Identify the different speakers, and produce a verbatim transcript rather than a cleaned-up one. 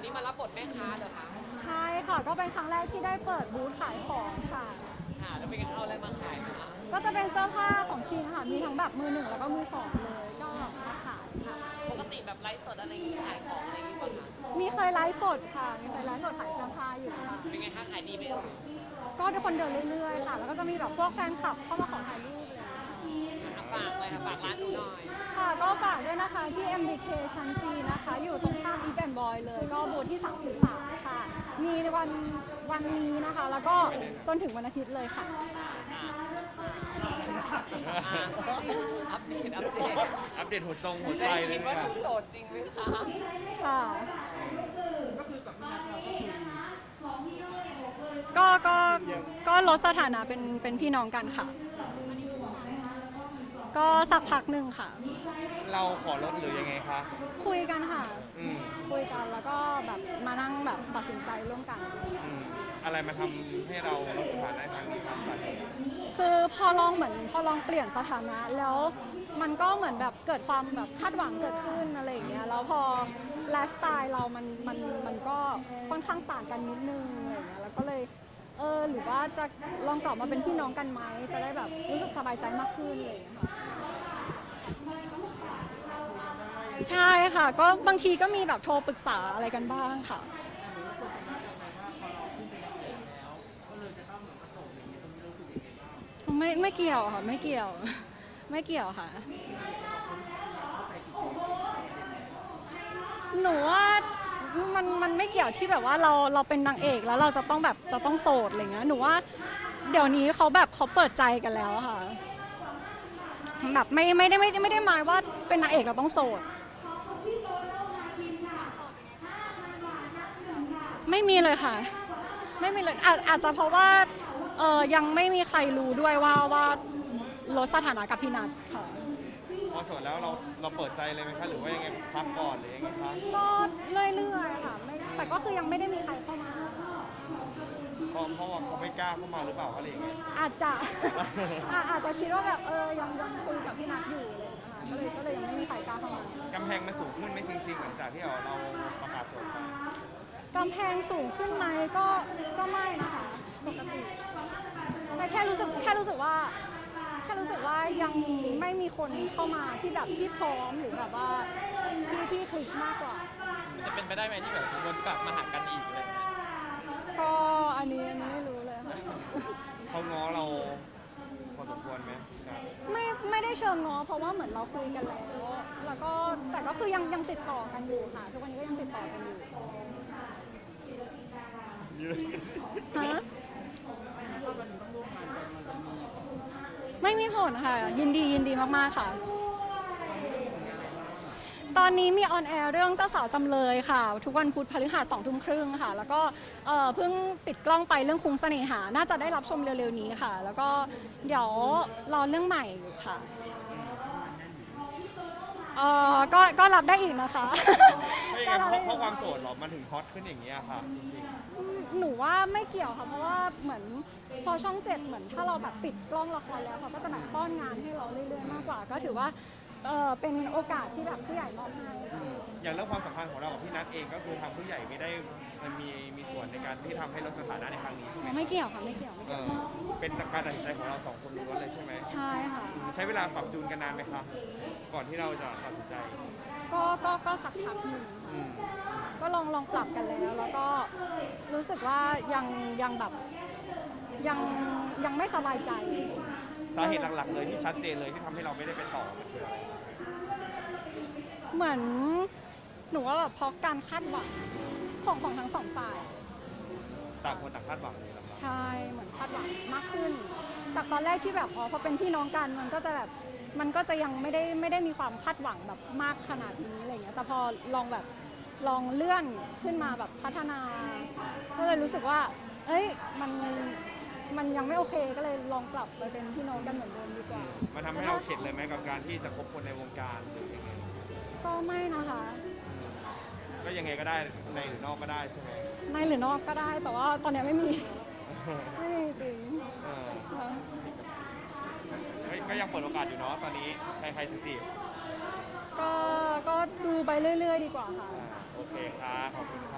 Speaker 1: นี้มารับบทแม่ค้าเหรอคะ
Speaker 2: ใช่ค่ะก็เป็นครั้งแรกที่ได้เปิดบูธขายของค่ะ
Speaker 1: ค่ะแล้วเป็นเอาอะไรมาขายนะคะ
Speaker 2: ก็จะเป็นเสื้อผ้าของชินค่ะมีทั้งแบบมือหนึ่งแล้วก็มือสองเลยก็มาขายค่ะ
Speaker 1: ปกติแบบไลฟ์สดอะไรอย่างงี้ขายของอะไรอย่างงี้ป่ะคะ
Speaker 2: มีเคยไลฟ์สดค่ะมีเคยไลฟ์สดขายเสื้อผ้าอยู่ค่ะ
Speaker 1: เป็นไงคะขายดีไหมเอ่ย
Speaker 2: ก็ทุกคนเดินเรื่อยๆค่ะแล้วก็จะมีแบบพวกแฟนคลับเข้ามาขอถ่ายรูปเลย
Speaker 1: ฝากเลยค่ะฝากร้านหนูหน่อย
Speaker 2: ค่ะก็ฝากด้วยนะคะที่ เอ็ม บี เค ชั้นจีนะคะอยู่ตรงข้ามอีฟแอนด์บอยเลยก็บูธที่สามสิบสามค่ะมีในวันวันนี้นะคะแล้วก็จนถึงวันอาทิตย์เลยค่ะ
Speaker 1: อัปเดตอัปเดต
Speaker 3: อัปเดตหัวจงหัวใจ
Speaker 1: ได้
Speaker 3: เล
Speaker 1: ยิ
Speaker 3: ย
Speaker 1: นว่าห
Speaker 3: ค่ะ
Speaker 1: นูโสดจริงไหมคะ
Speaker 2: ค่ะก็ก็ก็ลดสถานะเป็นเป็นพี่น้องกันค่ะก็สักพักหนึ่งค่ะ
Speaker 3: เราขอลดหรือยังไงคะ
Speaker 2: คุยกันค่ะ
Speaker 3: อืม
Speaker 2: คุยกันแล้วก็แบบมานั่งแบบตัดสินใจร่วมกัน
Speaker 3: อืมอะไรมาทำให้เราลดสถานะครั้งนี้ครับสาเหตุ
Speaker 2: คือพอลองเหมือนพอลองเปลี่ยนสถานะแล้วมันก็เหมือนแบบเกิดความแบบคาดหวังเกิดขึ้นอะไรอย่างเงี้ยแล้วพอไลฟ์สไตล์เรามันมันมันก็ค่อนข้างต่างกันนิดนึงอะไรอย่างเงี้ยแล้วก็เลยเออหรือว่าจะลองกลับมาเป็นพี่น้องกันไหมจะได้แบบรู้สึกสบายใจมากขึ้นเลยค่ะใช่ค่ะก็บางทีก็มีแบบโทรปรึกษาอะไรกันบ้างค่ะไม่ไม่เกี่ยวค่ะไม่เกี่ยวไม่เกี่ยวค่ะหนูว่ามันมันไม่เกี่ยวที่แบบว่าเราเราเป็นนางเอกแล้วเราจะต้องแบบจะต้องโสดอะไรเงี้ยหนูว่าเดี๋ยวนี้เขาแบบเขาเปิดใจกันแล้วค่ะแบบไม่ไม่ได้ไม่ได้ไม่ได้หมายว่าเป็นนางเอกเราต้องโสดไม่มีเลยค่ะไม่มีเลยอาจอาจจะเพราะว่าเออยังไม่มีใครรู้ด้วยว่าว่าลดสถานะกับพี่นัทค่ะ
Speaker 3: พอโสดแล้วเราเราเปิดใจเลยไหมคะหรือว่ายังไงพักก่อนหรือยังไงคะ
Speaker 2: ก็เรื่อยๆค่ะไม่แต่ก็คือยังไม่ได้มีใครเข้ามา
Speaker 3: เพราะเพราะว่าเขาไม่กล้าเข้ามาหรือเปล่าอะไรอย่างเงี้ย
Speaker 2: อาจจะ อาจจะคิดว่าแบบเออยังยังคุยกับพี่นัทอยู่เลยนะคะก็เลยก็เลยยังไม่มีใครกล้าเข้ามาก
Speaker 3: ำแพงมันสูงขึ้นไหมจริงๆหลังจากที่เราเราประกาศโสดไป
Speaker 2: กำแพงสูงขึ้นไหมก็ก็ไม่นะคะปกติแต่แค่รู้สึกแค่รู้สึกว่าแค่รู้สึกว่ายังไม่มีคนเข้ามาที่แบบที่พร้อมหรือแบบว่าที่ที่คลิกมากกว่า
Speaker 1: จะเป็นไปได้ไหมที่แบบวนกลับมาหากันอีกอะไร
Speaker 2: ก็อันนี้อันนี้ไม่รู้เลยค่ะ
Speaker 3: เขาง้อเราพอสมควรไหมครับ
Speaker 2: ไม่ไม่ได้เชิงง้อเพราะว่าเหมือนเราคุยกันแล้วแล้วก็แต่ก็คือยังยังติดต่อกันอยู่ค่ะทุกวันนี้ก็ยังติดต่อกันอยู่ฮะไม่มีผลค่ะยินดียินดีมากๆค่ะตอนนี้มีออนแอร์เรื่องเจ้าสาวจำเลยค่ะทุกวันพุธพฤหัสสองทุ่มครึ่งค่ะแล้วก็เพิ่งปิดกล้องไปเรื่องคุ้งเสน่หาน่าจะได้รับชมเร็วๆนี้ค่ะแล้วก็เดี๋ยวรอเรื่องใหม่อยู่ค่ะเออก็ก็รับได้อีกนะคะ
Speaker 3: ก็เพราะเพราะความโสดหรอมันถึงฮอตขึ้นอย่างนี้ค่ะจริง
Speaker 2: ๆหนูว่าไม่เกี่ยวค่ะเพราะว่าเหมือนพอช่องเจ็ดเหมือนถ้าเราแบบปิดกล้องละครแล้วเขาก็จะแบบป้อนงานให้เราเรื่อยๆมากกว่าก็ถือว่าเออเป็นโอกาสที่แบบผู้ใหญ่มอบให้
Speaker 3: อย่างเรื่องความสัมพันธ์ของเรากับพี่นัทเองก็คือทางผู้ใหญ่ไม่ได้มันมีมีส่วนในการที่ทำให้ลดสถานะในครั้งนี้ใช่ไหม
Speaker 2: ไม่เกี่ยวค่ะไม่เกี่ยว
Speaker 3: เออเป็นการตัดสินใจของเราสองคนล้วนเลยใช่ไหม
Speaker 2: ใช่ค่ะ
Speaker 3: ใช้เวลาปรับจูนกันนานไหมคะก่อนที่เราจะตัดสินใจ
Speaker 2: ก็ก็ก็สักพักหนึ่งก็ลองลองปรับกันแล้วแล้วก็รู้สึกว่ายังยังแบบยังยังไม่สบายใจ
Speaker 3: สาเหตุหลักๆเลยที่ชัดเจนเลยที่ทำให้เราไม่ได้ไปต่อมันคืออะไร
Speaker 2: เหมือนหนูว่าแบบเพราะการคาดหวังของของทั้งสองฝ่าย
Speaker 3: ต่างคนต่างคาดหวังเลยครับ
Speaker 2: ใช่เหมือนคาดหวังมากขึ้นจากตอนแรกที่แบบอ๋อพอเป็นพี่น้องกันมันก็จะแบบมันก็จะยังไม่ได้ไม่ได้มีความคาดหวังแบบมากขนาดนี้อะไรเงี้ยแต่พอลองแบบลองเลื่อนขึ้นมาแบบพัฒนาก็เลยรู้สึกว่าเอ้ยมันมันยังไม่โอเคก็เลยลองกลับไปเป็นพี่น้องกันเหมือนเดิมดีกว่า
Speaker 3: มันทำให้เราเข็ดเลยไหมกับการที่จะคบคนในวงการหรือยังไง
Speaker 2: ก็ไม่นะคะ
Speaker 3: ก็ยังไงก็ได้ในหรือนอกก็ได้ใช่ไหม
Speaker 2: ในหรือนอกก็ได้แต่ว่าตอนนี้ไม่มีไม่มีจริง
Speaker 3: ก็ยังเปิดโอกาสอยู่เนาะตอนนี้ใครๆจีบ
Speaker 2: ก็ก็ดูไปเรื่อยๆดีกว่าค่ะ
Speaker 3: โอเคครับขอบคุณ